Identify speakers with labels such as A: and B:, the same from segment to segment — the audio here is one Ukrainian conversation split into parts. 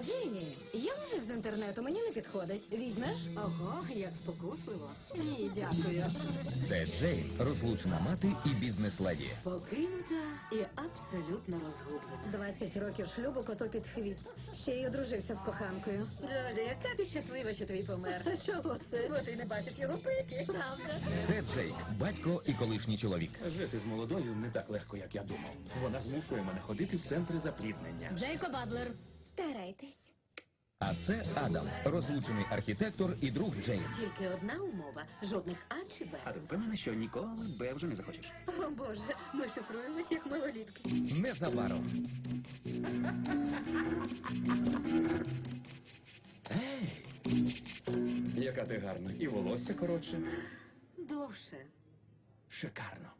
A: Джейні, є мужик з інтернету, мені не підходить. Візьмеш?
B: Ого, як спокусливо. Ні, дякую.
C: Це Джейн, розлучена мати і бізнес-леді.
B: Покинута і абсолютно розгублена.
A: 20 років шлюбу, коту під хвіст. Ще й одружився з коханкою.
B: Джозі, яка ти щаслива, що твій помер.
A: А чого це?
B: Бо ти не бачиш його пики.
A: Правда?
C: Це Джейк, батько і колишній чоловік.
D: Жити з молодою не так легко, як я думав. Вона змушує мене ходити в центри запліднення.
A: Джейко Бадлер. Старайтесь.
C: А це Адам, розлучений архітектор і друг Джейн.
B: Тільки одна умова. Жодних А чи Б.
D: А ти впевнена, що ніколи Б вже не захочеш?
B: О, Боже, ми шифруємось як малолітки.
C: Незабаром.
D: Яка ти гарна. І волосся коротше.
B: Довше.
D: Шикарно.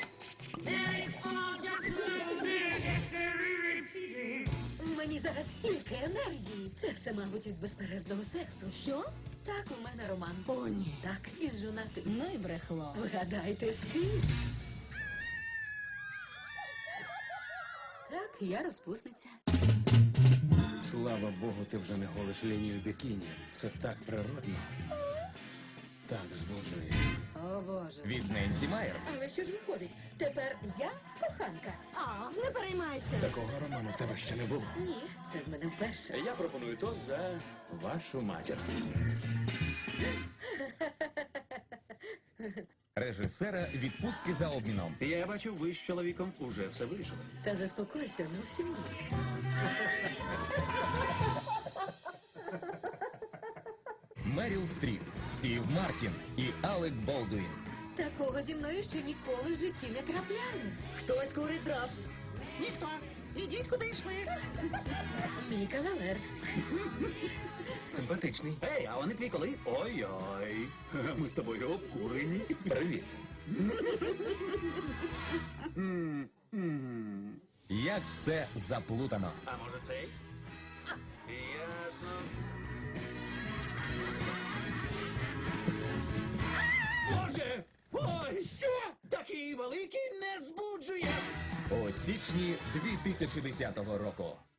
B: Мені зараз стільки енергії. Це все, мабуть, від безперервного сексу.
A: Що?
B: Так, у мене роман.
A: О, ні.
B: Так, із жонатим.
A: Ну і брехло.
B: Вгадайте, з ким? Так, я розпусниця.
D: Слава Богу, ти вже не голиш лінію бікіні. Це так природно. Так збуджує.
B: О, Боже.
C: Від Ненсі Майерс.
B: Але що ж виходить? Тепер я коханка?
A: А, не переймайся.
D: Такого роману в тебе ще не було.
B: Ні, це в мене вперше.
D: Я пропоную тост за вашу матір.
C: Режисера відпустки за обміном.
D: Я бачу, ви з чоловіком уже все вирішили.
B: Та заспокойся, зовсім ні.
C: Меріл Стріп, Стів Мартін і Алек Болдуін.
B: Такого зі мною ще ніколи в житті не траплялось.
A: Хтось курить дров. Ніхто. Ідіть, куди йшли.
B: Мій кавалер.
D: Симпатичний. Ей, а вони твій коли? Ой-ой. Ми з тобою обкурені. Привіт.
C: Як все заплутано.
D: А може цей? Ясно. Боже! Ой, що? Такий великий не збуджує!
C: У січні 2010 року.